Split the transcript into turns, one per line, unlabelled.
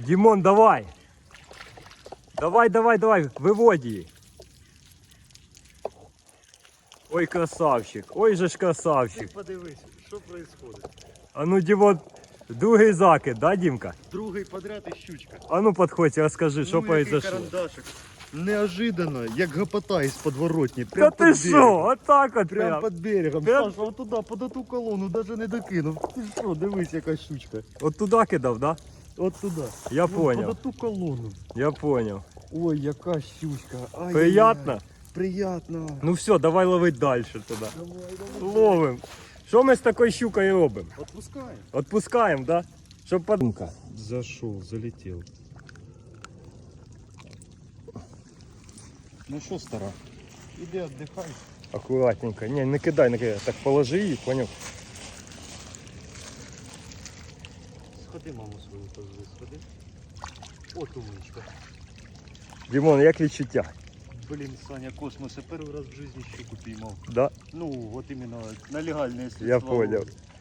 Дімон, давай. Давай, виводь її. Ой, красавчик, ой же ж красавчик.
Ти подивись, що відбувається.
А ну, Дімон, другий закид, да, Дімка?
Другий подряд і щучка.
А ну, підходь, розкажи, що произошло.
Карандашик. Неожиданно, як гопота із подворотні.
Та
Прям
ти
під
що,
берегом.
отак от
Прям
прям.
під берегом.
Прям-
Саша, от туди, под ту колону, навіть не докинув. Ти що, дивись, яка щучка.
От туди кидав, да?
От туди.
Я
Под
поняв,
ту колону.
я поняв.
Ой, яка щучка. Ай-яй-яй.
Приятно?
Приятно.
Ну все, давай ловить далі туди.
Давай.
Ловим. Що ми з такою щукою робимо?
Отпускай.
Отпускаємо, да? Щоб подумка.
Зашел, залетел. Ну что, стара, иди отдыхай.
Акуратненько. Не, не кидай, не кидай. Так положи її, поняв?
Сходи, маму свою позови, сходи. От умничка.
Дімон, як відчуття?
Блин, Саня, космос, я первый раз в жизни щуку поймал.
Да?
Ну, вот именно на легальные средства.
Я понял.
ловли.